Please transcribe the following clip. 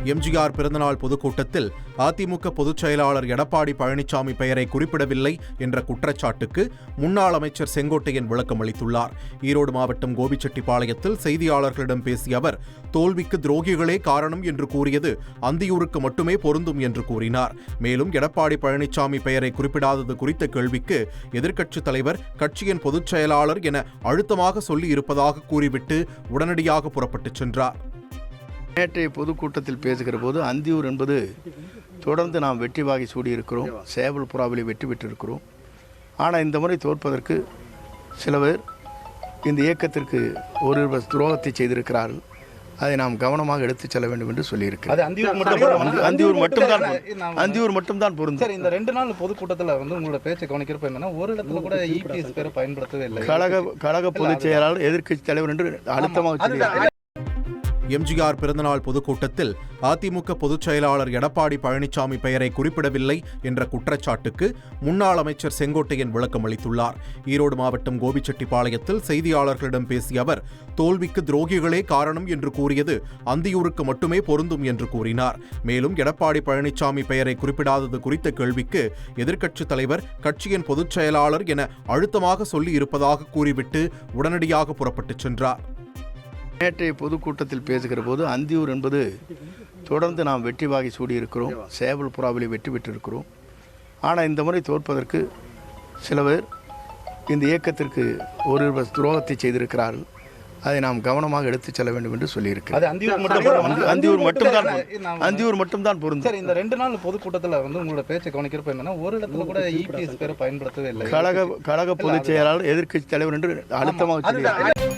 எம்ஜிஆர் பிறந்தநாள் பொதுக்கூட்டத்தில் அதிமுக பொதுச் செயலாளர் எடப்பாடி பழனிசாமி பெயரை குறிப்பிடவில்லை என்ற குற்றச்சாட்டுக்கு முன்னாள் அமைச்சர் செங்கோட்டையன் விளக்கம் அளித்துள்ளார். ஈரோடு மாவட்டம் கோபிச்செட்டிப்பாளையத்தில் செய்தியாளர்களிடம் பேசிய அவர், தோல்விக்கு துரோகிகளே காரணம் என்று கூறியது அந்தியூருக்கு மட்டுமே பொருந்தும் என்று கூறினார். மேலும் எடப்பாடி பழனிசாமி பெயரை குறிப்பிடாதது குறித்த கேள்விக்கு எதிர்க்கட்சித் தலைவர் கட்சியின் பொதுச் செயலாளர் என அழுத்தமாக சொல்லி இருப்பதாக கூறிவிட்டு உடனடியாக புறப்பட்டுச் சென்றார். நேற்றைய பொதுக்கூட்டத்தில் பேசுகிற போது அந்தியூர் என்பது தொடர்ந்து நாம் வெற்றி வாகை சூடியிருக்கிறோம், சேவல் புறாவிலே வெற்றி பெற்றிருக்கிறோம். ஆனால் இந்த முறை தோற்பதற்கு சில பேர் இந்த இயக்கத்திற்கு ஒரு துரோகத்தை செய்திருக்கிறார்கள். அதை நாம் கவனமாக எடுத்துச் செல்ல வேண்டும் என்று சொல்லியிருக்கிறேன். அந்தியூர் மட்டும்தான் பொருந்தும். சார், இந்த 2 நாள் பொதுக்கூட்டத்தில் உங்களோட பேச்சை கவனிக்கிறப்ப என்னன்னா, ஒரு இடத்துல கூட இபிஎஸ் பேரை பயன்படுத்தவே இல்லை. கழக பொதுச் செயலாளர் எதிர்க்கட்சி தலைவர் என்று அழுத்தமாக சொல்லியிருக்கிறார். எம்ஜிஆர் பிறந்தநாள் பொதுக்கூட்டத்தில் அதிமுக பொதுச் செயலாளர் எடப்பாடி பழனிசாமி பெயரை குறிப்பிடவில்லை என்ற குற்றச்சாட்டுக்கு முன்னாள் அமைச்சர் செங்கோட்டையன் விளக்கம் அளித்துள்ளார். ஈரோடு மாவட்டம் கோபிச்செட்டிப்பாளையத்தில் செய்தியாளர்களிடம் பேசிய அவர், தோல்விக்கு துரோகிகளே காரணம் என்று கூறியது அந்தியூருக்கு மட்டுமே பொருந்தும் என்று கூறினார். மேலும் எடப்பாடி பழனிசாமி பெயரை குறிப்பிடாதது குறித்த கேள்விக்கு எதிர்க்கட்சித் தலைவர் கட்சியின் பொதுச் செயலாளர் என அழுத்தமாக சொல்லி இருப்பதாக கூறிவிட்டு உடனடியாக புறப்பட்டுச் சென்றார். நேற்றைய பொதுக்கூட்டத்தில் பேசுகிற போது அந்தியூர் என்பது தொடர்ந்து நாம் வெற்றி வாகை சூடியிருக்கிறோம், சேவல் புறாவிலே வெற்றி பெற்றிருக்கிறோம். ஆனால் இந்த முறை தோற்பதற்கு சில பேர் இந்த இயக்கத்திற்கு ஒரு துரோகத்தை செய்திருக்கிறார்கள். அதை நாம் கவனமாக எடுத்துச் செல்ல வேண்டும் என்று சொல்லியிருக்கிறேன். அந்தியூர் மட்டும்தான் பொருந்தும். சார், இந்த 2 நாள் பொதுக்கூட்டத்தில் உங்களோட பேச்சை கவனிக்கிறப்ப என்னன்னா, ஒரு இடத்துல கூட இபிஎஸ் பேரை பயன்படுத்தவே இல்லை. கழக பொதுச் செயலாளர் எதிர்க்கட்சி தலைவர் என்று அழுத்தமாக சொல்லியிருக்கிறார்.